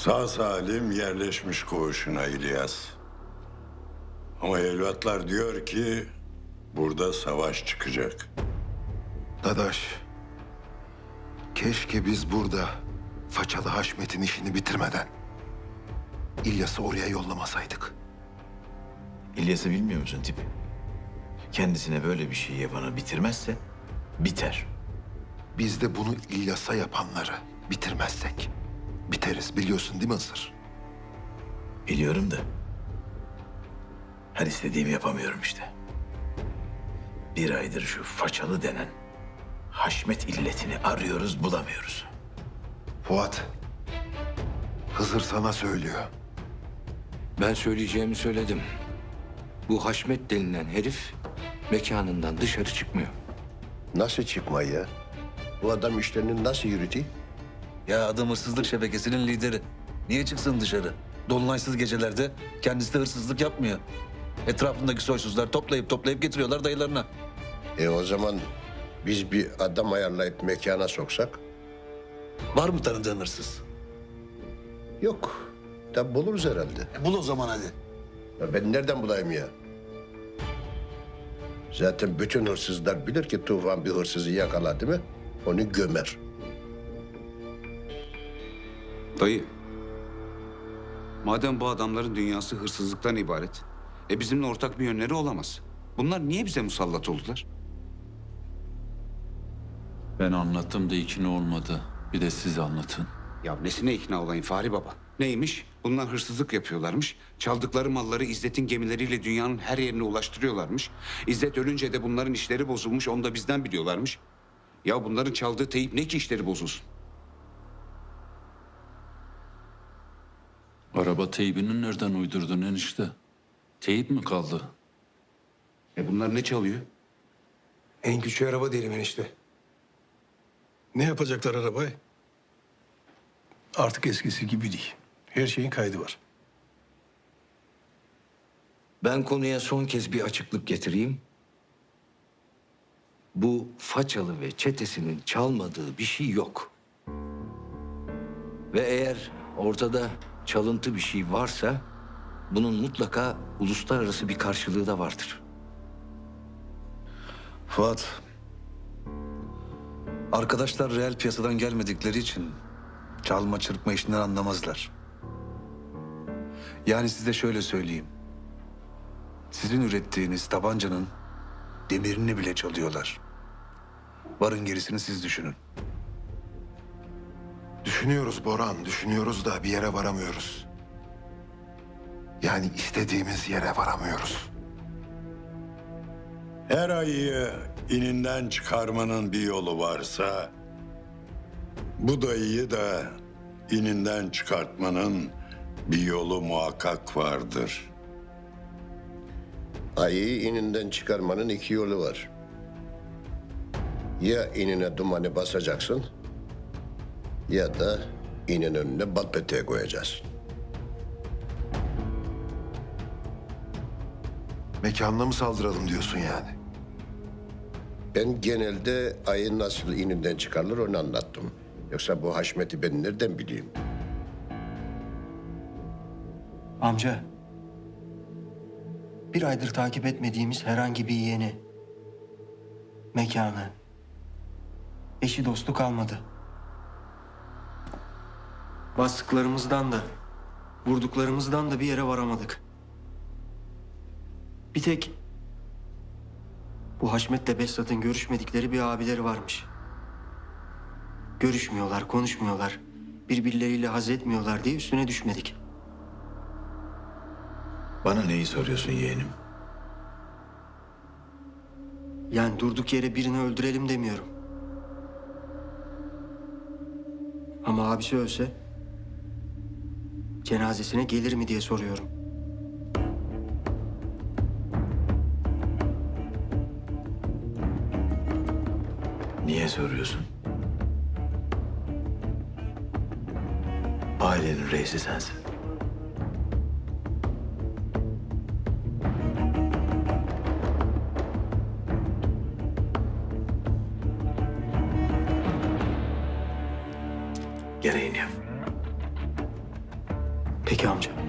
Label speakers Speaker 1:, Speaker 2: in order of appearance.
Speaker 1: Sağ salim yerleşmiş koğuşuna İlyas. Ama evlatlar diyor ki burada savaş çıkacak.
Speaker 2: Dadaş, keşke biz burada Façalı Haşmet'in işini bitirmeden İlyas'ı oraya yollamasaydık.
Speaker 3: İlyas'ı bilmiyor musun tipi? Kendisine böyle bir şey yapana bitirmezse biter.
Speaker 2: Biz de bunu İlyas'a yapanları bitirmezsek biteriz, biliyorsun değil mi Hızır?
Speaker 3: Biliyorum da her istediğimi yapamıyorum işte. Bir aydır şu Façalı denen Haşmet illetini arıyoruz, bulamıyoruz.
Speaker 2: Fuat, Hızır sana söylüyor.
Speaker 4: Ben söyleyeceğimi söyledim. Bu Haşmet denilen herif mekanından dışarı çıkmıyor.
Speaker 5: Nasıl çıkmayı ya? Bu adam işlerini nasıl yürütüyor?
Speaker 6: Ya adam hırsızlık şebekesinin lideri. Niye çıksın dışarı? Dolunaysız gecelerde kendisi de hırsızlık yapmıyor. Etrafındaki soysuzlar toplayıp getiriyorlar dayılarına.
Speaker 5: O zaman biz bir adam ayarlayıp mekana soksak?
Speaker 6: Var mı tanıdığın hırsız?
Speaker 5: Yok. Da buluruz herhalde.
Speaker 6: Bul o zaman hadi.
Speaker 5: Ya ben nereden bulayım ya? Zaten bütün hırsızlar bilir ki Tufan bir hırsızı yakaladı mı onu gömer.
Speaker 7: Dayı, madem bu adamların dünyası hırsızlıktan ibaret, bizimle ortak bir yönleri olamaz. Bunlar niye bize musallat oldular?
Speaker 8: Ben anlattım da ikna olmadı. Bir de siz anlatın.
Speaker 7: Ya nesine ikna olayım Fahri Baba? Neymiş? Bunlar hırsızlık yapıyorlarmış. Çaldıkları malları İzzet'in gemileriyle dünyanın her yerine ulaştırıyorlarmış. İzzet ölünce de bunların işleri bozulmuş, onu da bizden biliyorlarmış. Ya bunların çaldığı teyip ne ki işleri bozulsun?
Speaker 8: Araba teybini nereden uydurdun enişte? Teyip mi kaldı?
Speaker 7: Bunlar ne çalıyor?
Speaker 9: En küçük araba diyelim enişte. Ne yapacaklar arabayı? Artık eskisi gibi değil. Her şeyin kaydı var.
Speaker 4: Ben konuya son kez bir açıklık getireyim. Bu Façalı ve çetesinin çalmadığı bir şey yok. Ve eğer ortada çalıntı bir şey varsa bunun mutlaka uluslararası bir karşılığı da vardır.
Speaker 6: Fuat. Arkadaşlar reel piyasadan gelmedikleri için çalma çırpma işinden anlamazlar. Yani size şöyle söyleyeyim. Sizin ürettiğiniz tabancanın demirini bile çalıyorlar. Varın gerisini siz düşünün.
Speaker 2: Düşünüyoruz Boran, düşünüyoruz da bir yere varamıyoruz. Yani istediğimiz yere varamıyoruz.
Speaker 1: Her ayıyı ininden çıkarmanın bir yolu varsa bu dayıyı da ininden çıkartmanın bir yolu muhakkak vardır.
Speaker 5: Ayıyı ininden çıkarmanın iki yolu var. Ya inine dumanı basacaksın ya da inin önüne bal peteği koyacaksın.
Speaker 2: Mekanına mı saldıralım diyorsun yani?
Speaker 5: Ben genelde ayı nasıl ininden çıkarılır onu anlattım. Yoksa bu Haşmet'i ben nereden bileyim?
Speaker 10: Amca, bir aydır takip etmediğimiz herhangi bir yeğeni, mekanı, eşi dostu kalmadı. Bastıklarımızdan da, vurduklarımızdan da bir yere varamadık. Bir tek bu Haşmet'le Behzat'ın görüşmedikleri bir abileri varmış. Görüşmüyorlar, konuşmuyorlar, birbirleriyle haz etmiyorlar diye üstüne düşmedik.
Speaker 3: Bana neyi soruyorsun yeğenim?
Speaker 10: Yani durduk yere birini öldürelim demiyorum. Ama abisi ölse cenazesine gelir mi diye soruyorum.
Speaker 3: Niye soruyorsun? Ailenin reisi sensin. Gereğini yap.
Speaker 10: Peki amca.